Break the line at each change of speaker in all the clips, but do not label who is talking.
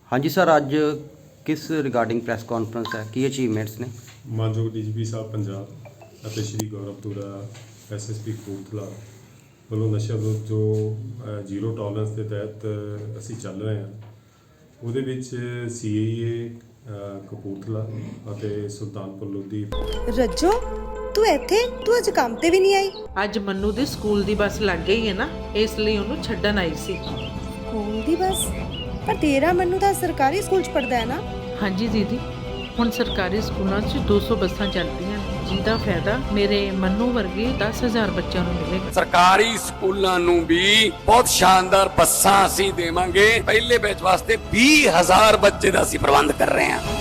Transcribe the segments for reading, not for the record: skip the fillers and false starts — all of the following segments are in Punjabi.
हाँ जी सर, ਅੱਜ ਕਿਸ ਰਿਗਾਰਡਿੰਗ ਪ੍ਰੈਸ ਕਾਨਫਰੰਸ ਹੈ, ਕੀ ਅਚੀਵਮੈਂਟਸ ਨੇ?
ਮਾਨਯੋਗ ਡੀਜੀਪੀ ਸਾਹਿਬ ਪੰਜਾਬ ਅਤੇ ਸ਼੍ਰੀ ਗੌਰਵ ਤੁਰਾ ਐਸਐਸਪੀ ਕਪੂਰਥਲਾ ਵੱਲੋਂ ਨਸ਼ਾ ਵਿਰੁੱਧ ਜੋ ਜ਼ੀਰੋ ਟੋਲਰੈਂਸ ਦੇ ਤਹਿਤ ਅਸੀਂ ਚੱਲ ਰਹੇ ਹਾਂ, ਉਹਦੇ ਵਿੱਚ ਸੀਏਏ ਕਪੂਰਥਲਾ ਅਤੇ ਸੁਲਤਾਨਪੁਰ ਲੋਧੀ।
ਰੱਜੋ ਤੂੰ ਇੱਥੇ, ਤੂੰ ਅੱਜ ਕੰਮ ਤੇ ਵੀ ਨਹੀਂ ਆਈ?
ਅੱਜ ਮੰਨੂ ਦੀ ਸਕੂਲ ਦੀ ਬੱਸ ਲੱਗ ਗਈ ਹੈ ਨਾ, ਇਸ ਲਈ ਉਹਨੂੰ ਛੱਡਣ ਆਈ ਸੀ।
ਸਕੂਲ ਦੀ ਬੱਸ? ਪਰ ਤੇਰਾ ਮੰਨੂ ਤਾਂ ਸਰਕਾਰੀ ਸਕੂਲ 'ਚ ਪੜਦਾ ਹੈ ਨਾ?
ਹਾਂਜੀ ਦੀਦੀ, ਹੁਣ ਸਰਕਾਰੀ ਸਕੂਲਾਂ 'ਚ 200 ਬੱਸਾਂ ਚੱਲਦੀਆਂ, ਜਿਹਦਾ ਫਾਇਦਾ ਮੇਰੇ ਮੰਨੂ ਵਰਗੇ 10,000 ਬੱਚਿਆਂ ਨੂੰ ਮਿਲੇਗਾ।
ਸਰਕਾਰੀ ਸਕੂਲਾਂ ਨੂੰ ਵੀ ਬਹੁਤ ਸ਼ਾਨਦਾਰ ਬੱਸਾਂ ਅਸੀਂ ਦੇਵਾਂਗੇ। ਪਹਿਲੇ ਬੈਚ ਵਾਸਤੇ 20,000 ਬੱਚੇ ਦਾ ਅਸੀਂ ਪ੍ਰਬੰਧ ਕਰ ਰਹੇ ਹਾਂ।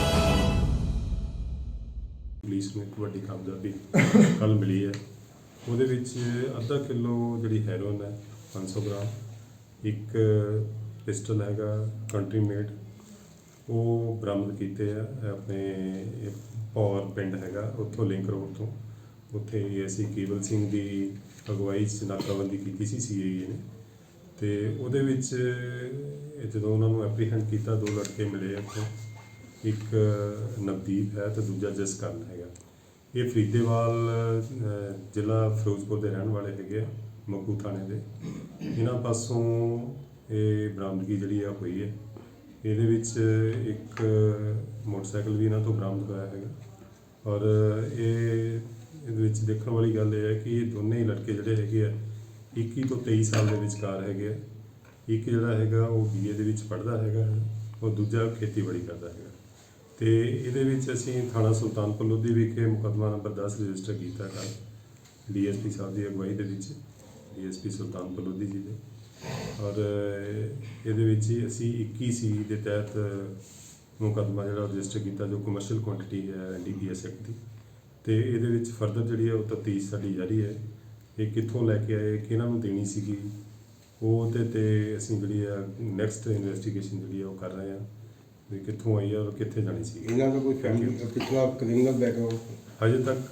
ਪੁਲਿਸ ਨੂੰ ਇੱਕ ਵੱਡੀ ਕਾਮਯਾਬੀ ਕੱਲ੍ਹ ਮਿਲੀ ਹੈ, ਉਹਦੇ ਵਿੱਚ ਅੱਧਾ ਕਿਲੋ ਜਿਹੜੀ ਹੈਰੋਇਨ ਹੈ, 500 ਗ੍ਰਾਮ, ਇੱਕ ਪਿਸਟਲ ਹੈਗਾ ਕੰਟਰੀ ਮੇਡ, ਉਹ ਬਰਾਮਦ ਕੀਤੇ ਆ ਆਪਣੇ ਪੌਰ ਪਿੰਡ ਹੈਗਾ, ਉੱਥੋਂ ਲਿੰਕ ਰੋਡ ਤੋਂ। ਉੱਥੇ ਏਐਸਆਈ ਕੇਵਲ ਸਿੰਘ ਦੀ ਅਗਵਾਈ 'ਚ ਨਾਕਾਬੰਦੀ ਕੀਤੀ ਸੀ ਸੀਏਏ ਨੇ, ਅਤੇ ਉਹਦੇ ਵਿੱਚ ਜਦੋਂ ਉਹਨਾਂ ਨੂੰ ਐਪਰੀਹੈਂਡ ਕੀਤਾ, 2 ਲੜਕੇ ਮਿਲੇ ਉੱਥੋਂ, ਇੱਕ ਨਵਦੀਪ ਹੈ ਅਤੇ ਦੂਜਾ ਜਸਕਰਨ ਹੈਗਾ। ਇਹ ਫਰੀਦੇਵਾਲ ਜ਼ਿਲ੍ਹਾ ਫਿਰੋਜ਼ਪੁਰ ਦੇ ਰਹਿਣ ਵਾਲੇ ਹੈਗੇ ਆ, ਮੱਕੂ ਥਾਣੇ ਦੇ। ਇਹਨਾਂ ਪਾਸੋਂ ਇਹ ਬਰਾਮਦਗੀ ਜਿਹੜੀ ਆ ਹੋਈ ਹੈ। ਇਹਦੇ ਵਿੱਚ ਇੱਕ ਮੋਟਰਸਾਈਕਲ ਵੀ ਇਹਨਾਂ ਤੋਂ ਬਰਾਮਦ ਹੋਇਆ ਹੈਗਾ, ਔਰ ਇਹਦੇ ਵਿੱਚ ਦੇਖਣ ਵਾਲੀ ਗੱਲ ਇਹ ਹੈ ਕਿ ਇਹ ਦੋਨੇ ਹੀ ਲੜਕੇ ਜਿਹੜੇ ਹੈਗੇ ਆ 21 ਤੋਂ 23 ਸਾਲ ਦੇ ਵਿਚਕਾਰ ਹੈਗੇ ਆ। ਇੱਕ ਜਿਹੜਾ ਹੈਗਾ ਉਹ BA ਦੇ ਵਿੱਚ ਪੜ੍ਹਦਾ ਹੈਗਾ, ਉਹ ਦੂਜਾ ਖੇਤੀਬਾੜੀ ਕਰਦਾ ਹੈਗਾ। ਅਤੇ ਇਹਦੇ ਵਿੱਚ ਅਸੀਂ ਥਾਣਾ ਸੁਲਤਾਨਪੁਰ ਲੋਧੀ ਵਿਖੇ ਮੁਕੱਦਮਾ ਨੰਬਰ 10 ਰਜਿਸਟਰ ਕੀਤਾ ਕੱਲ੍ਹ DSP ਸਾਹਿਬ ਦੀ ਅਗਵਾਈ ਦੇ ਵਿੱਚ, DSP ਸੁਲਤਾਨਪੁਰ ਲੋਧੀ ਜੀ ਦੇ। ਔਰ ਇਹਦੇ ਵਿੱਚ ਹੀ ਅਸੀਂ 21C ਦੇ ਤਹਿਤ ਮੁਕੱਦਮਾ ਜਿਹੜਾ ਰਜਿਸਟਰ ਕੀਤਾ, ਜੋ ਕਮਰਸ਼ੀਅਲ ਕੁਆਂਟਿਟੀ ਹੈ NDPS ਐਕਟ ਦੀ। ਅਤੇ ਇਹਦੇ ਵਿੱਚ ਫਰਦਰ ਜਿਹੜੀ ਹੈ ਉਹ ਤਫਤੀਸ਼ ਸਾਡੀ ਜਾਰੀ ਹੈ। ਇਹ ਕਿੱਥੋਂ ਲੈ ਕੇ ਆਏ, ਕਿਹਨਾਂ ਨੂੰ ਦੇਣੀ ਸੀਗੀ, ਉਹਦੇ 'ਤੇ ਅਸੀਂ ਜਿਹੜੀ ਆ ਨੈਕਸਟ ਇਨਵੈਸਟੀਗੇਸ਼ਨ ਜਿਹੜੀ ਆ ਉਹ ਕਰ ਰਹੇ ਹਾਂ ਵੀ ਕਿੱਥੋਂ ਆਈ ਆ ਔਰ ਕਿੱਥੇ ਜਾਣੀ ਸੀ।
ਇਹਨਾਂ ਦਾ ਕੋਈ ਫੈਮਿਲੀ ਪਿਛਲਾ ਕ੍ਰਿਮੀਨਲ ਬੈਕਗ੍ਰਾਉਂਡ
ਹਜੇ ਤੱਕ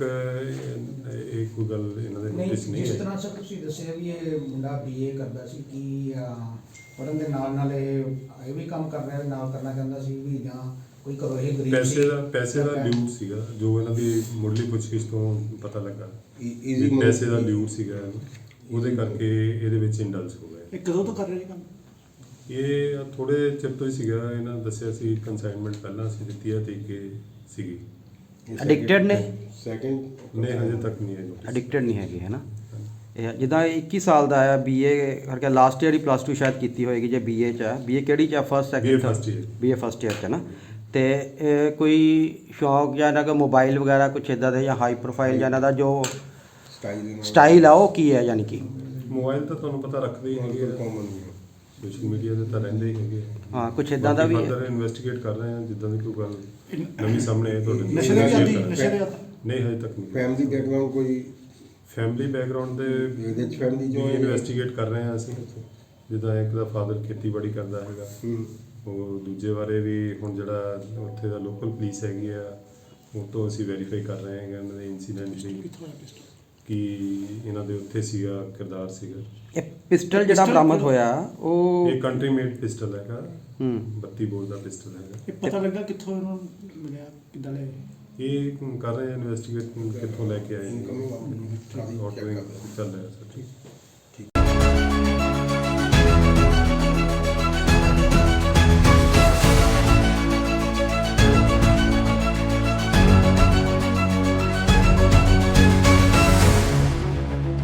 ਇਹ ਕੋਈ ਗੱਲ ਇਹਨਾਂ ਦੇ ਨੋਟਿਸ ਨਹੀਂ ਹੈ।
ਜਿਸ ਤਰ੍ਹਾਂ ਸਰ ਤੁਸੀਂ ਦੱਸਿਆ ਵੀ ਇਹ ਮੁੰਡਾ BA ਕਰਦਾ ਸੀ, ਕਿ ਪੜ੍ਹਨ ਦੇ ਨਾਲ ਇਹ ਵੀ ਕੰਮ ਕਰ ਰਿਹਾ, ਨਾਲ ਕਰਨਾ ਚਾਹੁੰਦਾ ਸੀ ਵੀ, ਜਾਂ ਕੋਈ ਘਰੋਂ ਇਹ ਗਰੀਬ ਸੀ?
ਪੈਸੇ ਦਾ ਲਿਊਟ ਸੀਗਾ, ਜੋ ਇਹਨਾਂ ਦੀ ਮੁੱਢਲੀ ਪੁੱਛਗਿੱਛ ਤੋਂ ਪਤਾ ਲੱਗਾ। ਪੈਸੇ ਦਾ ਲਿਊਟ ਸੀਗਾ, ਉਹਦੇ ਕਰਕੇ ਇਹਦੇ ਵਿੱਚ ਇੰਡਲਸ ਹੋ ਗਏ।
ਇਹ ਕਦੋਂ ਤੋਂ ਕਰ ਰਹੇ ਕੰਮ?
ਇਹ ਥੋੜੇ ਚਿਰ ਤੋਂ ਹੀ ਸੀਗਾ। ਇਹਨਾਂ ਦੱਸਿਆ ਸੀ ਕੰਸਾਈਨਮੈਂਟ ਪਹਿਲਾਂ ਅਸੀਂ ਦਿੱਤੀ ਹੈ, ਤੇ ਕਿ ਸੀਗੀ।
ਐਡਿਕਟਡ ਨੇ?
ਸੈਕਿੰਡ
ਨਹੀਂ, ਹਜੇ ਤੱਕ ਨਹੀਂ ਹੈ।
ਐਡਿਕਟਡ ਨਹੀਂ ਹੈਗੇ, ਹੈ ਨਾ? ਇਹ ਜਿੱਦਾਂ 21 ਸਾਲ ਦਾ ਆ, BA ਕਰਕੇ ਲਾਸਟ ਈਅਰ ਹੀ +2 ਸ਼ਾਇਦ ਕੀਤੀ ਹੋਏਗੀ, ਜੇ BA 'ਚ ਹੈ। BA ਕਿਹੜੀ 'ਚ ਹੈ? First second? BA first year 'ਚ ਹੈ ਨਾ। ਅਤੇ ਕੋਈ ਸ਼ੌਕ ਜਾਂ ਇਹਨਾਂ ਦਾ ਮੋਬਾਈਲ ਵਗੈਰਾ ਕੁਛ ਇੱਦਾਂ ਦੇ, ਜਾਂ ਹਾਈ ਪ੍ਰੋਫਾਈਲ ਜਾਂ ਇਹਨਾਂ ਦਾ ਜੋ ਸਟਾਈਲ ਆ ਉਹ ਕੀ ਹੈ? ਯਾਨੀ ਕਿ
ਮੋਬਾਈਲ ਤਾਂ ਤੁਹਾਨੂੰ ਪਤਾ ਰੱਖਦੇ ਹੀ ਹੈਗੇ, ਕਾਮਨ ਸੋਸ਼ਲ ਮੀਡੀਆ 'ਤੇ ਤਾਂ ਰਹਿੰਦੇ ਹੀ ਹੈਗੇ।
ਹਾਂ, ਕੁਛ ਇੱਦਾਂ ਦਾ ਵੀ ਹੈ।
ਇਨਵੈਸਟੀਗੇਟ ਕਰ ਰਹੇ ਹਾਂ, ਜਿੱਦਾਂ ਦੀ ਕੋਈ ਗੱਲ ਨਵੀਂ ਸਾਹਮਣੇ ਆਏ ਤੁਹਾਡੇ
ਨਸ਼ੇ ਦੇ ਆਦੀ? ਨਸ਼ੇ ਦੇ
ਨਹੀਂ, ਹਜੇ ਤੱਕ ਨਹੀਂ।
ਫੈਮਿਲੀ ਬੈਕਗ੍ਰਾਉਂਡ ਕੋਈ?
ਫੈਮਿਲੀ ਬੈਕਗ੍ਰਾਉਂਡ ਦੇ
ਇਹਦੇ 'ਚ ਫੈਮਿਲੀ ਜੋ
ਇਨਵੈਸਟੀਗੇਟ ਕਰ ਰਹੇ ਹਾਂ ਅਸੀਂ। ਜਿੱਦਾਂ ਇੱਕ ਦਾ ਫਾਦਰ ਖੇਤੀਬਾੜੀ ਕਰਦਾ ਹੈਗਾ, ਉਹ ਦੂਜੇ ਬਾਰੇ ਵੀ ਹੁਣ ਜਿਹੜਾ ਉੱਥੇ ਦਾ ਲੋਕਲ ਪੁਲਿਸ ਹੈਗੀ ਆ, ਉਹ ਤੋਂ ਅਸੀਂ ਵੈਰੀਫਾਈ ਕਰ ਰਹੇ ਹੈਗੇ ਇਹਨਾਂ ਦੇ ਇੰਸੀਡੈਂਟ ਲਈ, ਕਿ ਇਹਨਾਂ ਦੇ ਉੱਥੇ ਸੀਗਾ ਕਿਰਦਾਰ ਸੀਗਾ।
ਇਹ ਪਿਸਟਲ ਜਿਹੜਾ ਬਰਾਮਦ ਹੋਇਆ ਉਹ
ਇਹ ਕੰਟਰੀ ਮੇਡ ਪਿਸਟਲ ਹੈਗਾ, 32 ਬੋਰ ਦਾ ਪਿਸਟਲ ਹੈਗਾ।
ਇਹ ਪਤਾ ਲੱਗਾ ਕਿੱਥੋਂ ਇਹਨੂੰ ਮਿਲਿਆ, ਕਿੱਦਾਂ ਲਿਆ?
ਇਹ ਕਰ ਰਹੇ ਇਨਵੈਸਟੀਗੇਟ ਕਿੱਥੋਂ ਲੈ ਕੇ ਆਏ, ਚੱਲ ਰਿਹਾ ਸਰ। ਠੀਕ।